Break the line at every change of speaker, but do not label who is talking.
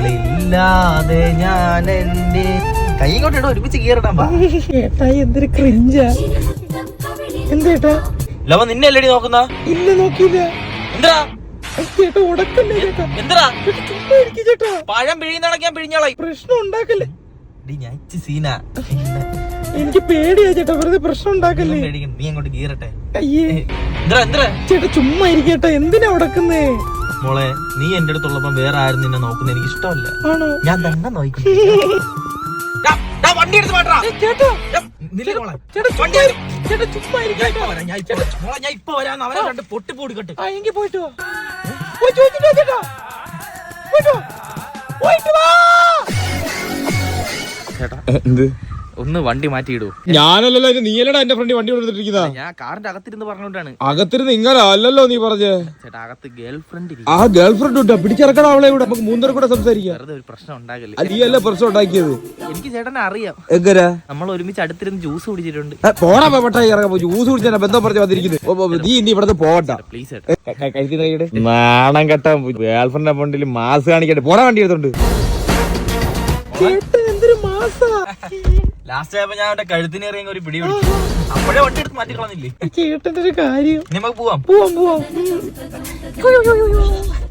അവളില്ലാതെ ഞാൻ എന്റെ കൈ കൊണ്ട് ഇട ഒരുമിച്ച് കീറിടാൻ
ഏട്ടാ എന്തൊരു ക്രിഞ്ചാ. എന്തേട്ടാ
ലവ നിന്നെ അല്ലടി നോക്കുന്ന?
ഇല്ല നോക്കിയില്ല.
എന്താ
ചേട്ടാ ഉടക്കല്ലേ ചേട്ടാ.
എന്താ
ചുമ്മാ ഇരിക്കും ചേട്ടാ.
പഴം പിഴിയുന്നടക്കാൻ പിഴിഞ്ഞോളായി.
പ്രശ്നം ഉണ്ടാക്കല്ലേ.
ഞാൻ സീന.
എനിക്ക് പേടിയാ ചേട്ടാ, വെറുതെ പ്രശ്നം ഉണ്ടാക്കല്ലേ.
നീ അങ്ങോട്ട് കീറട്ടെ.
അയ്യേ ചേട്ടാ ചുമ്മാ ഇരിക്കട്ടെ, എന്തിനാ ഉടക്കുന്നേ?
മോളെ നീ എന്റെ അടുത്തുള്ളപ്പോ വേറെ ആരും നിന്നെ നോക്കുന്ന എനിക്ക് ഇഷ്ടമല്ല.
ആണോ?
ഞാൻ തന്നെ നോക്കും. വണ്ടി എടുത്ത് മാറ്റാ.
ചേട്ടാ ചുമ്മാ
ഞാൻ ഇപ്പൊ വരാൻ അവരെ രണ്ട് പൊട്ടിപ്പൊടിക്കട്ടെ.
എങ്കിൽ പോയിട്ട് വാ. ചേട്ടാ പോയിട്ട് വാ.
ചേട്ടാ എന്ത് ഒന്ന് വണ്ടി മാറ്റിയിടൂ.
ഞാനല്ലല്ലോ നീയല്ലടാ എന്റെ ഫ്രണ്ട് വണ്ടി കൊടുത്തിരിക്കുന്ന.
ഞാൻ കാറിന്റെ അകത്തിരുന്ന് പറഞ്ഞോണ്ടാണ്.
അകത്തിരുന്ന് ഇങ്ങനെ അല്ലല്ലോ നീ പറഞ്ഞേ.
ചേട്ടാ അകത്ത് ഗേൾ ഫ്രണ്ട്.
ആ ഗേൾ ഫ്രണ്ട് ഉണ്ട്, പിടിച്ചിറക്കണം അവളെ കൂടെ. നമുക്ക് മൂന്നര കൂടെ സംസാരിക്കാം.
വെറുതെ ഒരു പ്രശ്നം ഉണ്ടാകല്ലേ.
നീയല്ലേ പ്രശ്നം ഉണ്ടാക്കിയത്.
എനിക്ക് ചേട്ടനെ അറിയാം.
എങ്ങനെ?
നമ്മൾ ഒരുമിച്ച് അടുത്തിരുന്ന് ജ്യൂസ് കുടിച്ചിട്ടുണ്ട്.
പോടാ പെട്ടായി ഇറങ്ങാൻ. ജ്യൂസ് കുടിച്ചാ ബന്ധം പറഞ്ഞു വന്നിരിക്കുന്നത്. നീ ഇനി ഇവിടെ പോവണ്ട
പ്ലീസ്.
നാണം കെട്ട ഗേൾ ഫ്രണ്ട് ഫണ്ടിൽ മാസ് കാണിക്കട്ടെ. പോടാ വണ്ടി എടുത്തോണ്ട്.
ലാസ്റ്റ് ആയപ്പോ ഞാൻ അവന്റെ കഴുത്തിനേറിയ ഒരു പിടി പിടിച്ചു. അപ്പോഴേ വണ്ടി എടുത്ത് മാറ്റി കളഞ്ഞില്ലേ.
ചേട്ടന്റെ ഒരു കാര്യം.
നമുക്ക് പോവാം.
പോവാം.